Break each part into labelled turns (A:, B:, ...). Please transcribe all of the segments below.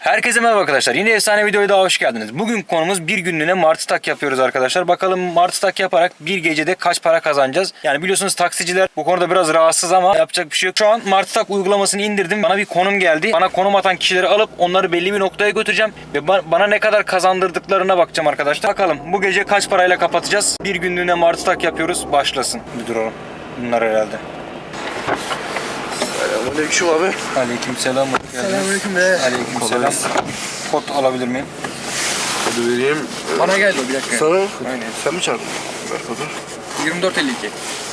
A: Herkese merhaba arkadaşlar. Yine efsane videoya daha hoş geldiniz. Bugün konumuz bir günlüğüne martı tak yapıyoruz arkadaşlar. Bakalım martı tak yaparak bir gecede kaç para kazanacağız? Yani biliyorsunuz taksiciler bu konuda biraz rahatsız ama yapacak bir şey yok. Şu an martı tak uygulamasını indirdim. Bana bir konum geldi. Bana konum atan kişileri alıp onları belli bir noktaya götüreceğim. Ve bana ne kadar kazandırdıklarına bakacağım arkadaşlar. Bakalım bu gece kaç parayla kapatacağız? Bir günlüğüne martı tak yapıyoruz. Başlasın. Bir duralım. Bunlar herhalde.
B: Selamünaleyküm abi.
A: Aleykümselam.
B: Selamünaleyküm be.
A: Aleykümselam. Kod alabilir miyim?
B: Kodu vereyim.
C: Bana geldi bir dakika.
B: Sana?
C: Aynen.
B: Sen mi çağırdın? Ver kodu.
C: 24.52.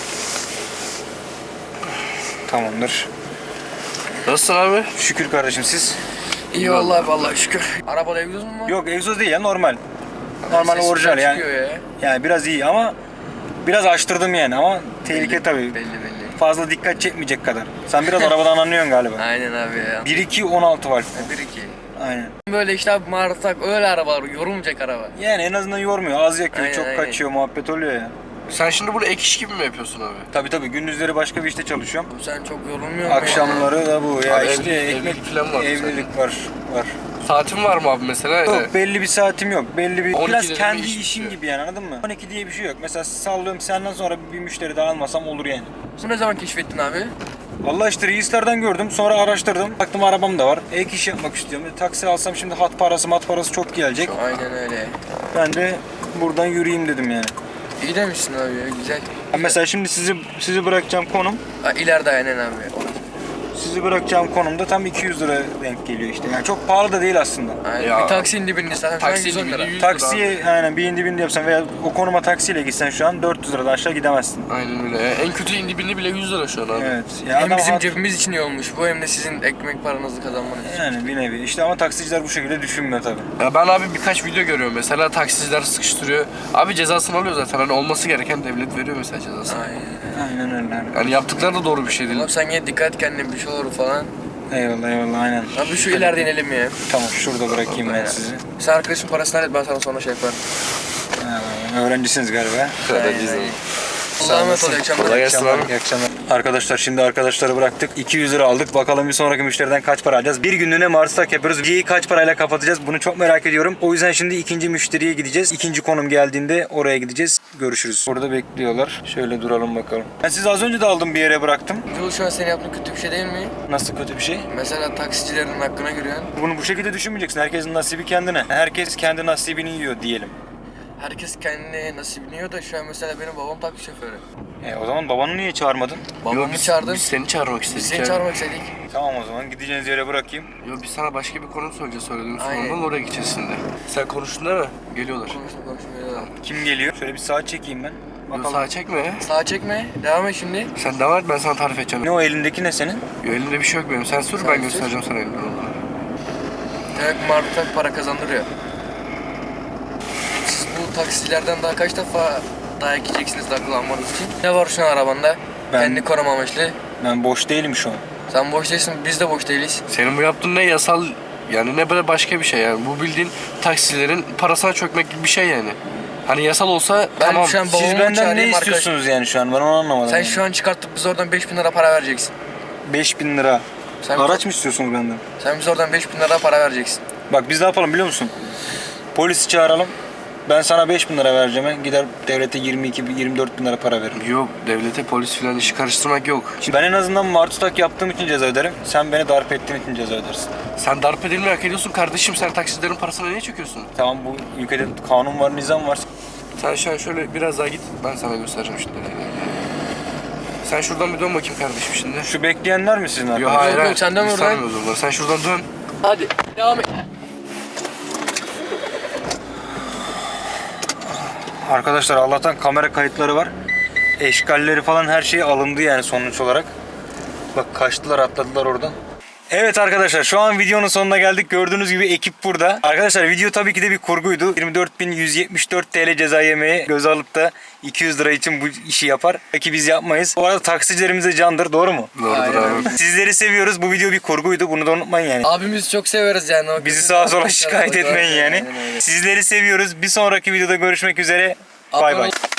A: Tamamdır.
B: Nasılsın abi?
A: Şükür kardeşim, siz?
C: İyi vallahi şükür. Arabada egzoz mu var?
A: Yok, egzoz değil ya, normal. Normal
C: Ses
A: orijinal
C: güzel
A: yani.
C: çıkıyor ya.
A: Yani biraz iyi ama biraz açtırdım yani ama tehlike tabii.
C: Belli.
A: Fazla dikkat çekmeyecek kadar. Sen biraz arabadan anlıyorsun galiba.
C: Aynen abi ya.
A: 1.2 16 var.
C: 1-2.
A: Aynen.
C: Böyle işte abi martak öyle arabalar yorulmayacak araba.
A: Yani en azından yormuyor. Az yakıyor,
C: Aynen,
A: çok
C: aynen.
A: kaçıyor, muhabbet oluyor ya.
B: Sen şimdi bunu ek iş gibi mi yapıyorsun abi?
A: Tabii gündüzleri başka bir işte çalışıyorum.
C: Sen çok yorulmuyor musun?
A: Akşamları da bu ya,
B: Abi
A: işte
B: evlilik
A: ekmek
B: falan var mı
A: evlilik var.
B: Saatin var mı abi mesela?
A: Yok, belli bir saatim yok. Belli bir
B: 12'de
A: biraz
B: de
A: kendi
B: bir iş
A: işim
B: bitiyor.
A: gibi yani, anladın mı? 12 diye bir şey yok. Mesela sallıyorum, senden sonra bir müşteri daha almasam olur yani.
C: Bu ne zaman keşfettin abi?
A: Vallahi işte reislerden gördüm, sonra araştırdım. Baktım arabam da var. Ek iş yapmak istiyorum. Taksi alsam şimdi hat parası çok gelecek.
C: Aynen öyle.
A: Ben de buradan yürüyeyim dedim yani.
C: İyi demişsin abi ya güzel.
A: Ben mesela şimdi sizi bırakacağım konum.
C: Ha, ileride aynen abi.
A: Sizi bırakacağım konumda tam 200 lira denk geliyor işte. Yani çok pahalı da değil aslında.
C: Aynen.
B: Ya.
C: Bir taksinin dibinde zaten
B: Taksinin
C: 110 lira.
B: dibinde 100 lira abi.
A: Taksiye aynen bir indi bindi yapsan veya o konuma taksiyle gitsen şu an 400 liradan aşağı gidemezsin.
B: Aynen öyle. En kötü indi birini bile 100 lira şu an abi.
A: Evet. Ya
C: Hem
A: adam
C: bizim
A: hat-
C: cebimiz için iyi olmuş bu hem de sizin ekmek paranızı kazanmanız için.
A: Yani bir nevi. İşte ama taksiciler bu şekilde düşünmüyor tabii.
B: Ya ben abi birkaç video görüyorum. Mesela taksiciler sıkıştırıyor. Abi cezasını alıyor zaten. Hani olması gereken devlet veriyor mesela cezasını.
C: Aynen.
A: Aynen öyle.
B: Yani yaptıkları da doğru bir şey değil.
C: Oğlum sen yine dikkat et kendine bir şey olur falan.
A: Eyvallah aynen.
C: Abi şu ileride inelim ya.
A: Tamam, şurada bırakayım ben sizi.
C: Sen arkadaşın parasını hallet ben sana sonra şey yaparım.
A: Öğrencisiniz galiba.
C: Allah'a emanet ol. İyi akşamlar.
B: Kolay gelsin abi.
A: İyi akşamlar. Arkadaşlar şimdi arkadaşları bıraktık. 200 lira aldık. Bakalım bir sonraki müşteriden kaç para alacağız. Bir günlüğüne martı tak yapıyoruz. Geceyi kaç parayla kapatacağız? Bunu çok merak ediyorum. O yüzden şimdi ikinci müşteriye gideceğiz. İkinci konum geldiğinde oraya gideceğiz. Görüşürüz. Burada bekliyorlar. Şöyle duralım bakalım. Ben sizi az önce de aldım, bir yere bıraktım.
C: Yol şu an senin yaptığın kötü bir şey değil mi?
A: Nasıl kötü bir şey?
C: Mesela taksicilerin hakkına giriyorsun.
A: Bunu bu şekilde düşünmeyeceksin. Herkesin nasibi kendine. Herkes kendi nasibini yiyor diyelim.
C: Herkes kendine nasibini yiyor da şu an mesela benim babam taksi şoförü.
A: O zaman babanı niye çağırmadın?
C: Babamı çağırdım.
B: Biz seni çağırmak istedik.
C: Biz seni
B: ya.
C: çağırmak istedik.
A: Tamam, o zaman gideceğiniz yere bırakayım.
B: Yo, biz sana başka bir konu söyleyeceğiz söylediğimiz
C: Aynen.
B: konudan oraya gideceğiz şimdi. Sen konuştun değil mi? Geliyorlar.
C: Konuştum.
A: Kim geliyor? Şöyle bir saat çekeyim ben.
B: Yo,
A: Bakalım.
B: sağa çekme ya.
C: Sağa çekme. Devam et şimdi.
B: Sen devam et, ben sana tarif edeceğim.
A: Ne o elindeki, ne senin?
B: Yo, elinde bir şey yok benim. Sen sür,
C: Sen
B: ben
C: sür.
B: göstereceğim sana elimden olduğunu.
C: Demek martık para kazandırıyor. Siz bu taksicilerden daha kaç defa dayak yiyeceksiniz akıllanmanız için? Ne var şu an arabanda?
A: Ben-
C: Kendi koruma amaçlı.
A: Ben boş değilim şu an.
C: Sen boş değilsin, biz de boş değiliz.
B: Senin bu yaptığın ne yasal, yani ne böyle başka bir şey yani. Bu bildiğin taksilerin parasına çökmek gibi bir şey yani. Hani yasal olsa
C: Ben
B: tamam.
C: şu an
A: Siz
C: babamı
A: benden ne
C: çağırayım
A: istiyorsunuz yani şu an? Ben onu anlamadım.
C: Sen şu an çıkartıp biz oradan 5.000 lira para vereceksin.
A: 5.000 lira.
C: Sen,
A: Araç mı istiyorsunuz benden?
C: sen biz oradan 5.000 lira para vereceksin.
A: Bak biz ne yapalım biliyor musun? Polisi çağıralım. Ben sana 5.000 lira vereceğim. Gider devlete 24 bin lira para veririm.
B: Yok, devlete polis filan işi karıştırmak yok.
A: Şimdi ben en azından martı tak yaptığım için ceza öderim. Sen beni darp ettiğin için ceza ödersin.
B: Sen darp edilmeyi hak ediyorsun kardeşim. Sen taksilerin parasına niye çöküyorsun?
A: Tamam, bu ülkede kanun var, nizam var.
B: Sen şu an şöyle biraz daha git. Ben sana göstereceğim şimdi. Sen şuradan bir dön bakayım kardeşim şimdi.
A: Şu bekleyenler mi sizin
B: Yok
A: arkadaşlar?
B: hayır,
C: yok,
B: hayır.
C: sen dön
B: Biz
C: oradan.
B: tanımıyoruz onları. Sen şuradan dön.
C: Hadi devam et.
A: Arkadaşlar Allah'tan kamera kayıtları var. Eşkalleri falan her şey alındı yani sonuç olarak. Bak kaçtılar, atladılar oradan. Evet arkadaşlar, şu an videonun sonuna geldik. Gördüğünüz gibi ekip burada. Arkadaşlar video tabii ki de bir kurguydu. 24.174 TL ceza yemeği göze alıp da 200 lira için bu işi yapar. Peki biz yapmayız. Bu arada taksicilerimiz de candır, doğru mu?
B: Doğrudur
C: Aynen.
B: abi.
A: Sizleri seviyoruz. Bu video bir kurguydu. Bunu da unutmayın yani.
C: Abimizi çok severiz yani. O
A: Bizi
C: kötü
A: sağa sola
C: davranışlar
A: şikayet
C: var.
A: etmeyin yani.
C: Aynen öyle.
A: Sizleri seviyoruz. Bir sonraki videoda görüşmek üzere. Bay
C: Abone
A: bay.
C: ol-